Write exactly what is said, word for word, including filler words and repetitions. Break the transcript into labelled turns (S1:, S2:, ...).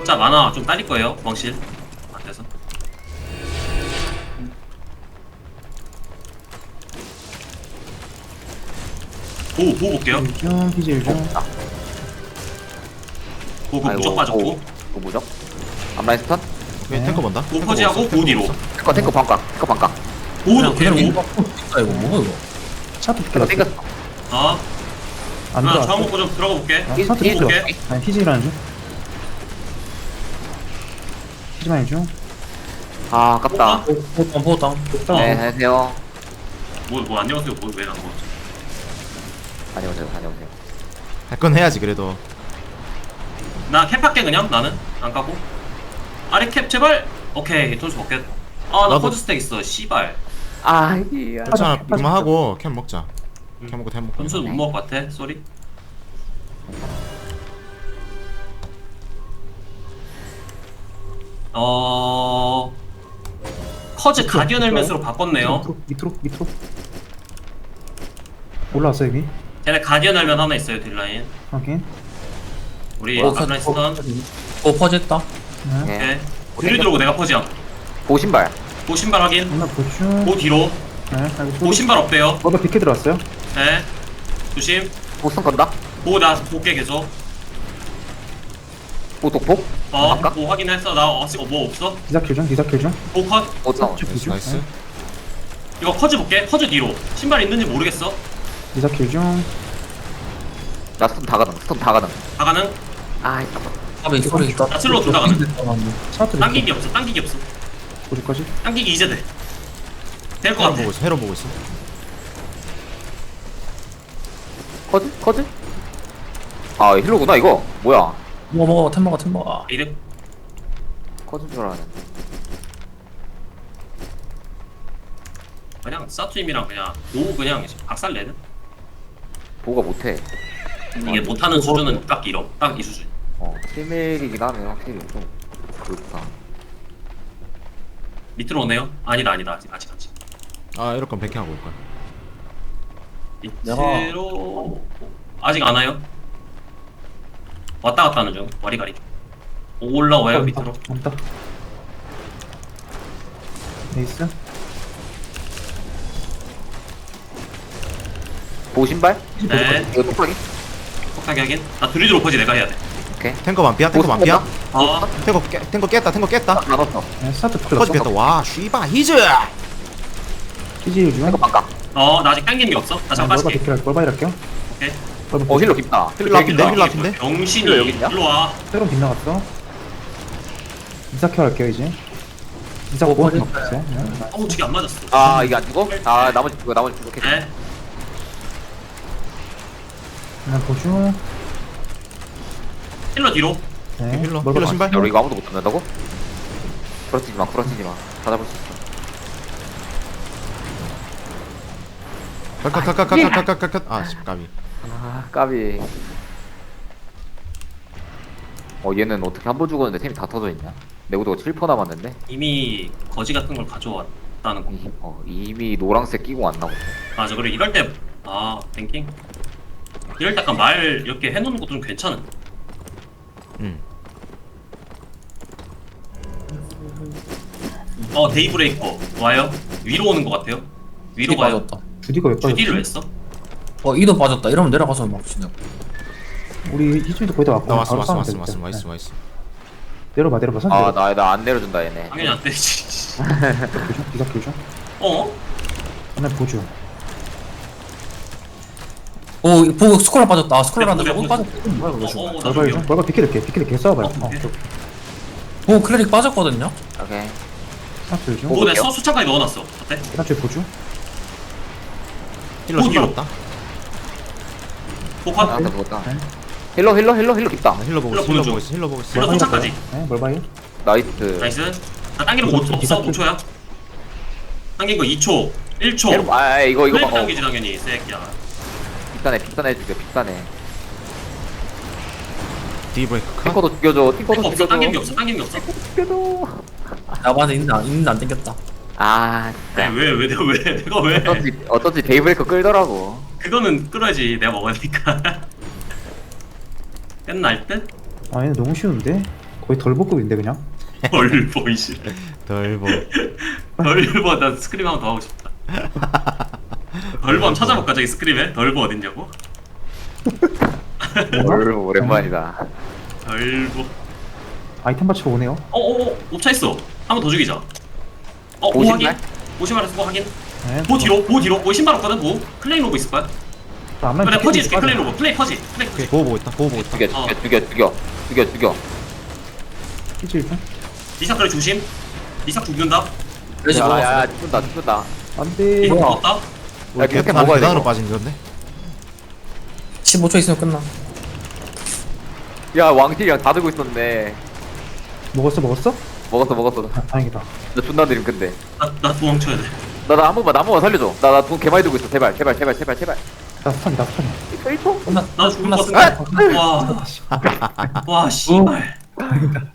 S1: 각자 만화 좀 딸릴 거예요. 왕실 안 돼서. 보호 보호 볼게요.
S2: 일중 피지 일중.
S1: 보호 그
S3: 아이고,
S1: 무적 빠졌고.
S3: 오. 그 무적. 앞라인 스턴.
S4: 오케이
S2: 네.
S4: 탱커 본다.
S1: 보호 퍼지하고 보호 뒤로.
S3: 탱커 탱커 반각. 탱커 반각.
S1: 보호도
S5: 그냥
S1: 계속.
S5: 이거 아 이거 뭐야 이거?
S2: 차트
S3: 탱커
S2: 비켜놨어.
S3: 땡겼어.
S1: 어.
S2: 안
S1: 나
S2: 들어왔어.
S1: 저항 먹고 좀 들어가 볼게.
S2: 아,
S3: 피-
S2: 차트
S3: 피-
S2: 비켜.
S1: 볼게.
S2: 아니 피지라는 중. 피지만 일중.
S3: 아 아깝다.
S5: 포탄 포탄.
S3: 네 안녕하세요.
S1: 뭐뭐 안녕하세요. 뭐왜 나온 거지?
S3: 안녕하세요. 안녕하세요.
S4: 할 건 해야지 그래도.
S1: 나 캡할게 그냥 나는 안 가고. 아래 캡 제발. 오케이 돈수 먹겠. 아나
S4: 나도-
S1: 커즈 스택 있어. 씨발.
S3: 아 이야.
S4: 괜찮아.
S2: 빠져,
S4: 이만 하고 캠 먹자.
S1: 음.
S4: 캠 먹고 템 먹고.
S1: 돈수 못 먹을 것 같아. 쏘리. 어. 커즈 가디언 헬멧으로 바꿨네요.
S2: 밑으로 밑으로 밑으로. 올라왔어 여기.
S1: 걔네 가디언 헬멧 하나 있어요 딜라인.
S2: 확인.
S1: 우리
S5: 어,
S1: 앞라인 스턴.
S5: 어 퍼졌다.
S2: 네.
S3: 네.
S1: 오케이. 뒤로 들어오고 내가 퍼지야.
S3: 보신발.
S1: 보 신발 확인.
S2: 하나 보충.
S1: 보 뒤로.
S2: 네. 알고
S1: 보 신발 없대요.
S2: 뭐가 비켜 들어왔어요?
S1: 네. 조심.
S3: 보스턴 건다.
S1: 보나 볼게 계속.
S3: 보독폭.
S1: 어.
S3: 아까?
S1: 보 확인했어. 나 어시 어, 뭐 없어?
S2: 기사킬 중 기사킬 중.
S1: 보 컷.
S3: 보스턴.
S4: 나이스
S2: 비주.
S4: 나이스.
S2: 네.
S1: 이거 커즈 볼게. 커즈 뒤로. 신발 있는지 모르겠어.
S2: 기사킬 중.
S3: 나 스턴 다 가능. 스턴 다 가능.
S1: 나가는.
S3: 아 이거.
S5: 아베 소리 있다.
S1: 나 슬로우 둘다 가는.
S2: 차트
S1: 당기기
S2: 비켜.
S1: 없어. 당기기 없어.
S2: 어디까지?
S1: 당기기 이제 돼. 될 것
S4: 헤로
S1: 같아.
S4: 보고 있어. 헤로 보고 있어.
S3: 커즈? 커즈? 아 힐로구나 이거. 뭐야?
S5: 먹어 먹어 템 먹어 템 먹어.
S1: 이득.
S3: 커즈인 줄 알았는데.
S1: 그냥 사투임이랑 그냥 오 그냥 박살 내는.
S3: 보가 못해.
S1: 이게 못하는 수준은 딱 이러. 딱 이 수준.
S3: 어 필밀이긴 하네 확실히 좀 그렇다.
S1: 밑으로 오네요. 아니다 아니다 아직 아직 아직.
S4: 아 이럴 건 백해 하고 올 거야.
S1: 밑으로 아직 안 와요. 왔다 갔다 하는 중. 와리가리. 올라와요 밑으로.
S2: 온다. 에이스.
S3: 보신발?
S1: 네.
S3: 이거 똑딱이?
S1: 폭탄 확인. 나 드리드 로퍼지 내가 해야 돼.
S3: 오케이.
S4: 탱커 반피야. 탱커 반피야.
S1: 어.
S4: 탱커 깨, 탱커 깼다. 탱커 깼다.
S3: 나눴어.
S2: 네. 스타트
S4: 커지
S2: 비켜놨어.
S4: 깼다. 와 쉬바 히즈.
S2: 피지 중.
S3: 탱커 반각.
S1: 어, 나 아직 당기는 게 없어. 나 잠깐
S2: 뭘바
S1: 빠질게.
S2: 비켜. 뭘바 이럴게요.
S1: 오케이.
S3: 어 힐러 깊다.
S4: 힐러 앞인데 힐러 앞인데.
S1: 병신이
S3: 힐러 여기 있냐?
S1: 일로 와.
S2: 새로운 빗나갔어. 이사켜 할게요 이제. 이사
S5: 어,
S2: 뭐
S5: 맞아.
S2: 없어요? 네.
S1: 어우, 저게 안 맞았어.
S3: 아 이게 안 죽어? 아 나머지 죽어 나머지 죽어. 오케이.
S1: 네.
S2: 하나 보충.
S1: 힐러 뒤로.
S2: 네.
S4: 힐러
S2: 뭘바
S4: 힐러 신발.
S3: 야 우리 이거 아무도 못 잡는다고? 부러뜨리지 마 부러뜨리지 마. 다 잡을 수 있어.
S4: 컷컷컷컷컷컷컷컷. 아 십까비.
S3: 아 까비. 어 얘는 어떻게 한 번 죽었는데 템이 다 터져 있냐? 내구도가 칠 퍼센트 남았는데.
S1: 이미 거지 같은 걸 가져왔다는 거.
S3: 이, 어 이미 노란색 끼고 왔나 보네.
S1: 맞아. 그래 이럴 때 아, 뱅킹. 이럴 때 약간 말 이렇게 해놓는 것도 좀 괜찮은.
S4: 응.
S1: 어, 데이브레이커 와요. 위로 오는 것 같아요. 위로
S5: 이
S1: 가요.
S5: 빠졌다.
S2: 주디가 왜 빠졌지?
S1: 주디를 했어?
S5: 어 이도 빠졌다. 이러면 내려가서 막 치네.
S2: 우리 희준이도 거의 다 왔고
S4: 나 왔어
S2: 바로
S4: 왔어
S2: 싸우면
S4: 왔어
S2: 되겠다.
S4: 왔어 왔어
S2: 네.
S4: 왔어.
S2: 내려봐 내려봐 선
S3: 아
S2: 내려봐.
S3: 나 나 안 내려준다 얘네.
S1: 당연히 안 되지.
S2: 교정 기사 교정.
S1: 어?
S2: 하나 보충.
S5: 오 보고 스콜라 빠졌다. 아, 스콜라한테
S1: 네,
S5: 조금
S1: 네,
S5: 빠졌다. 이거 뭐야 이거
S1: 어,
S5: 지금.
S1: 어, 나
S2: 뭘바
S1: 저기요.
S2: 중. 뭘바 비켜줄게 비켜줄게 싸워봐요.
S1: 어,
S2: 어,
S1: 오케이.
S2: 저
S5: 오 클레릭 빠졌거든요.
S3: 오케이.
S2: 스타트 중.
S1: 뭐 내가 수차까지 넣어놨어. 어때?
S2: 스타트 보충.
S4: 힐러 신발 없다.
S1: 복합.
S3: 나한테 죽었다.
S2: 네.
S3: 힐러 힐러 힐러 힐러 깊다.
S4: 아, 힐러 보고
S1: 힐러
S4: 있어.
S1: 보는
S4: 힐러
S1: 중.
S4: 보고 있어. 힐러 보고 있어.
S1: 힐러 도착까지.
S2: 네, 뭘바요?
S3: 나이스.
S1: 나이스. 나 당기는 거 오 초 없어. 오 초야. 당긴 거 이 초. 일 초.
S3: 힐러- 아 이거 이거
S1: 플레이브
S3: 봐. 어,
S1: 당기지 당연히. 새끼야.
S3: 빅단해 빅단해 죽여 빅단해.
S4: 디브레이크 컷.
S3: 탱커도 죽여줘. 탱커도
S1: 없어.
S3: 죽여줘.
S1: 당긴 게 없어. 당긴 게 없어.
S3: 죽여줘.
S5: 야 맞아 있는데 안 있는데 안 땡겼다.
S3: 아
S1: 왜,
S3: 진짜.
S1: 왜, 왜, 내가 왜, 내가 왜?
S3: 어쩐지 어쩐지 데이브레이커 끌더라고.
S1: 그거는 끌어야지. 내가 먹으니까. 끝날 듯?
S2: 아 얘네 너무 쉬운데? 거의 거의 덜보급인데 그냥.
S1: 덜보 이씨.
S4: 덜보.
S1: 덜보 나 스크림 한번 더 하고 싶다. 덜보 한번 찾아볼까 저기 스크림에? 덜보 어딨냐고?
S3: 뭘 오랜만이다.
S1: 덜보.
S2: 아이템 받쳐 오네요.
S1: 어어어 옵차 있어. 한 번 더 죽이자. 어, 보
S3: 보신발?
S1: 확인. 보신발 쓰고 확인.
S2: 네.
S1: 보 뒤로, 보 뒤로. 보 신발 없거든. 보 클레임 로브 있을 거야.
S2: 앞라인
S1: 그래
S2: 피켓
S1: 퍼지 해줄게.
S2: 빠져.
S1: 클레임 로브. 플레이 퍼지. 플레이 퍼지.
S4: 오케이 보호 보고 있다. 보호 보고 있다.
S3: 죽여
S1: 어.
S3: 죽여 죽여 죽여 죽여 죽여.
S2: 피치 일 분.
S1: 리삭 그래 조심. 리삭 죽는다.
S5: 레지
S3: 야야
S5: 먹었어.
S3: 죽는다 죽는다.
S2: 안돼.
S1: 리삭
S5: 뭐야?
S1: 죽었다.
S4: 우리
S3: 이렇게
S4: 계단
S3: 먹어야
S4: 계단으로
S3: 되고.
S4: 빠진 건데.
S5: 십오 초 있으면 끝나.
S3: 야 왕실이랑 다 들고 있었네.
S2: 먹었어 먹었어?
S3: 먹었어 먹었어.
S2: 아, 다행이다.
S3: 나 존나 느림 근데.
S1: 나, 나 도망쳐야 돼.
S3: 나 나 한 번만 나 한 번만 살려줘. 나 나 돈 개많이 들고 있어. 제발 제발 제발 제발 제발.
S2: 나 스턴이 나 스턴이.
S5: 끝나.
S1: 나 죽을 것
S5: 끝났어.
S1: 같은데. 와. 와, 씨발.